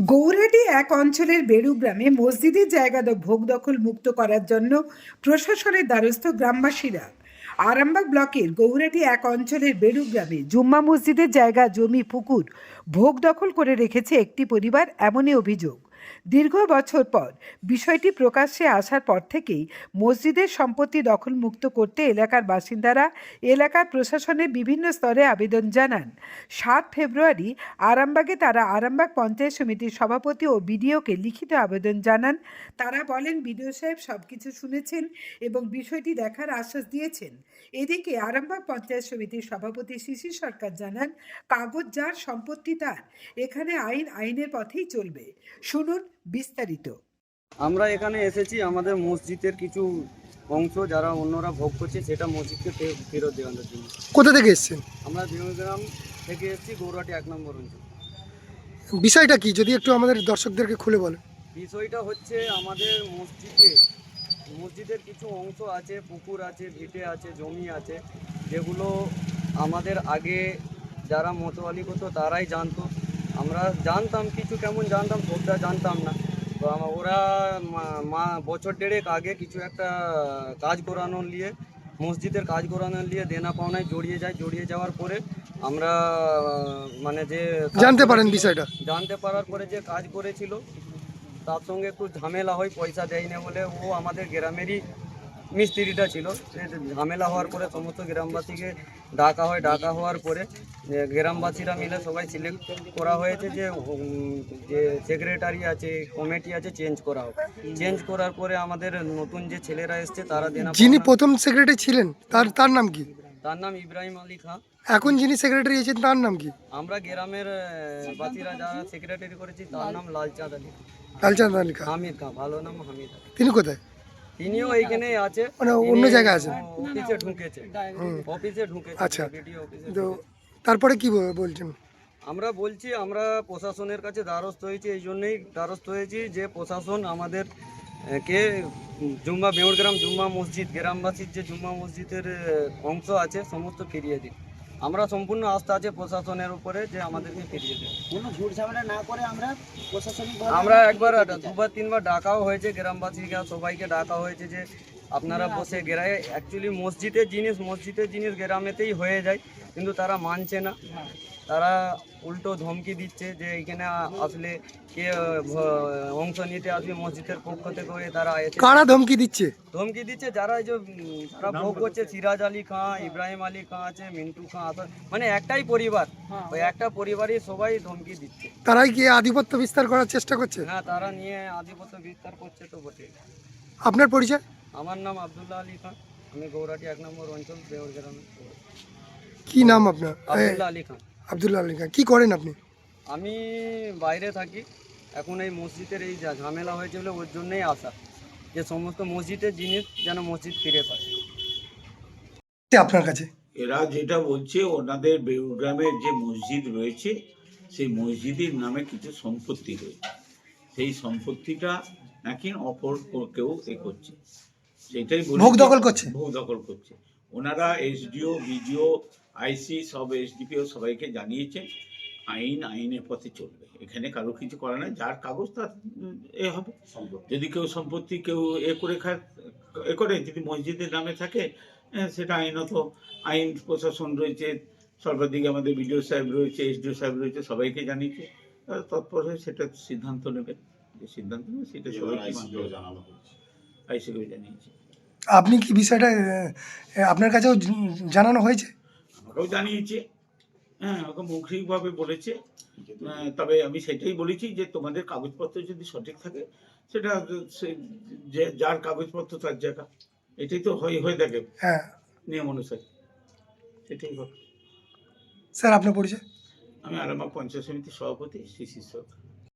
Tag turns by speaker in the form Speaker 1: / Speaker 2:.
Speaker 1: গৌরহাটি এক অঞ্চলের বেড়ু গ্রামে মসজিদের জায়গা ভোগ দখল মুক্ত করার জন্য প্রশাসনের দ্বারস্থ গ্রামবাসীরা। আরামবাগ ব্লকের গৌরহাটি এক অঞ্চলের বেড়ু গ্রামে জুম্মা মসজিদের জায়গা জমি পুকুর ভোগ দখল করে রেখেছে একটি পরিবার, এমনই অভিযোগ। দীর্ঘ বছর পর বিষয়টি প্রকাশ্যে আসার পর থেকেই মসজিদের সম্পত্তি দখলমুক্ত করতে এলাকার বাসিন্দারা এলাকার প্রশাসনের বিভিন্ন স্তরে আবেদন জানান। ৭ ফেব্রুয়ারি আরামবাগে তারা আরামবাগ পঞ্চায়েত সমিতির সভাপতি ও বিডিওকে লিখিত আবেদন জানান। তারা বলেন, বিডিও সাহেব সব কিছু শুনেছেন এবং বিষয়টি দেখার আশ্বাস দিয়েছেন। এদিকে আরামবাগ পঞ্চায়েত সমিতির সভাপতি শিশির সরকার জানান, কাগজ যার সম্পত্তি তার, এখানে আইনের পথেই চলবে। শুনুন বিস্তারিত।
Speaker 2: আমরা এখানে এসেছি আমাদের মসজিদের কিছু অংশ যারা অন্যরা ভোগ করছে সেটা মসজিদকে ফেরত দেওয়ানোর জন্য।
Speaker 3: কোথা থেকে এসেছেন?
Speaker 2: আমরা বিমগ্রাম থেকে এসেছি, গৌরহাটি ১ নম্বর অঞ্চল।
Speaker 3: বিষয়টা কি যদি একটু আমাদের দর্শকদেরকে খুলে বলেন।
Speaker 2: বিষয়টা হচ্ছে আমাদের মসজিদের কিছু অংশ আছে, পুকুর আছে, ভিটে আছে, জমি আছে, যেগুলো আমাদের আগে যারা মতোয়ালি করতো তারাই জানতো। আমরা জানতাম কিছু, কেমন জানতাম সবটা জানতাম না। তো ওরা বছর দেড়েক আগে কিছু একটা কাজ করানোর নিয়ে, মসজিদের কাজ করানোর নিয়ে দেনা পাওনায় জড়িয়ে যাওয়ার পরে আমরা মানে যে
Speaker 3: জানতে পারেন বিষয়টা,
Speaker 2: জানতে পারার পরে যে কাজ করেছিল তার সঙ্গে একটু ঝামেলা হয়, পয়সা দেয় না বলে। ও আমাদের গ্রামেরই মিস্ত্রিটা ছিল। ঝামেলা হওয়ার পরে সমস্ত গ্রামবাসীকে ডাকা হওয়ার পরে গ্রামবাসীরা মিলে সবাই সিলেক্ট করা হয়েছে যে সেক্রেটারি আছে, কমিটি আছে, চেঞ্জ করা হোক। চেঞ্জ করার পরে আমাদের নতুন যে ছেলেরা এসছে তারা
Speaker 3: যিনি প্রথম সেক্রেটারি ছিলেন তার নাম কি?
Speaker 2: তার নাম ইব্রাহিম আলী খান।
Speaker 3: এখন যিনি সেক্রেটারি আছেন তার নাম কি?
Speaker 2: আমরা গ্রামের বাসীরা যারা সেক্রেটারি করেছি তার নাম লালচাঁদ আলী, হামিদ খান, ভালো নাম হামিদ।
Speaker 3: তিনি কোথায়?
Speaker 2: তিনিও এইখানে আছে,
Speaker 3: মানে অন্য জায়গায় আছেন?
Speaker 2: অফিসে ঢুকেছে।
Speaker 3: আচ্ছা, তো তারপরে কি বলছেন?
Speaker 2: আমরা বলছি, আমরা প্রশাসনের কাছে দ্বারস্থ হয়েছি, এই জন্যই দ্বারস্থ হয়েছি যে প্রশাসন আমাদের কে বেউরগ্রাম জুম্মা মসজিদ, গ্রামবাসীর যে জুম্মা মসজিদের অংশ আছে সমস্ত ফিরিয়ে দিন। আমরা সম্পূর্ণ আস্থা আছে প্রশাসনের উপরে যে আমাদেরকে ফিরিয়ে দেবে।
Speaker 4: কোনো ঝুট ঝামেলা না করে
Speaker 2: আমরা একবার দুবার তিনবার ডাকাও হয়েছে, গ্রামবাসীকে সবাইকে ডাকা হয়েছে যে আপনারা বসে গ্রামে, অ্যাকচুয়ালি মসজিদের জিনিস গ্রামেতেই হয়ে যায়, কিন্তু তারা মানছে না। তারা উল্টো ধমকি দিচ্ছে যে এখানে আসলে কে অংশ নিতে আসবে মসজিদের পক্ষ থেকে হয়ে তারা এসে।
Speaker 3: কারা ধমকি দিচ্ছে?
Speaker 2: যারা এই যে তারা ভোগ করছে, সিরাজ আলী খান, ইব্রাহিম আলী খান আছে, মিন্টু খান আছে, মানে একটাই পরিবার, ওই একটা পরিবারই সবাই ধমকি দিচ্ছে।
Speaker 3: তারাই কি আধিপত্য বিস্তার করার চেষ্টা করছে?
Speaker 2: হ্যাঁ, তারা নিয়ে আধিপত্য বিস্তার করছে তো বটে।
Speaker 3: আপনার পরিচয়?
Speaker 2: আমার নাম আব্দুল্লাহ আলী খান, আমি গৌরহাটি ১ নম্বর অঞ্চল বেউরগ্রামে।
Speaker 3: কি নাম আপনার?
Speaker 2: আব্দুল্লাহ আলী খান।
Speaker 3: আব্দুল্লাহ আলী খান। কি করেন আপনি?
Speaker 2: আমি বাইরে থাকি। এখন এই মসজিদের এই ঝামেলা হয়েছে বলে ওর জন্যই আসা, যে সমস্ত মসজিদের জিনিস যেন মসজিদ ফিরে পায়।
Speaker 3: আপনার কাছে
Speaker 5: এরা যেটা বলছে, ওনাদের বেউগ্রামের যে মসজিদ রয়েছে সেই মসজিদের নামে কিছু সম্পত্তি রয়েছে, সেই সম্পত্তিটা নাকি অপর কেউ করছে, সেটাই
Speaker 3: ভোগ দখল করছে।
Speaker 5: ওনারা এসডিও, বিডিও, আইসি, সব এসডিপিও সবাইকে জানিয়েছে। আইনের পথে চলবে, এখানে কারো কিছু করে না। যার কাগজ তার হবে। যদি কেউ সম্পত্তি করে যদি মসজিদের নামে থাকে, সেটা আইনত আইন প্রশাসন রয়েছে, সর্বাধিক আমাদের বিডিও সাহেব রয়েছে, এসডিও সাহেব রয়েছে, সবাইকে জানিয়েছে। তৎপর হয়ে সেটা সিদ্ধান্ত নেবে, সেটা সবাইকে আইসিকেও জানিয়েছে।
Speaker 3: আপনি কি বিষয়টা আপনার কাছেও জানানো হয়েছে?
Speaker 5: আমাকেও জানিয়েছে, হ্যাঁ, ওকে মৌখিকভাবে বলেছে। তবে আমি সেটাই বলেছি যে তোমাদের কাগজপত্র যদি সঠিক থাকে, সেটা যার কাগজপত্র তার জায়গা, এটাই তো হয়ে থাকে।
Speaker 3: হ্যাঁ,
Speaker 5: নিয়ম অনুসারে সেটাই হবে।
Speaker 3: স্যার আপনার পরিচয়?
Speaker 5: আমি আরামবাগ পঞ্চায়েত সমিতির সভাপতি শিশির সরকার।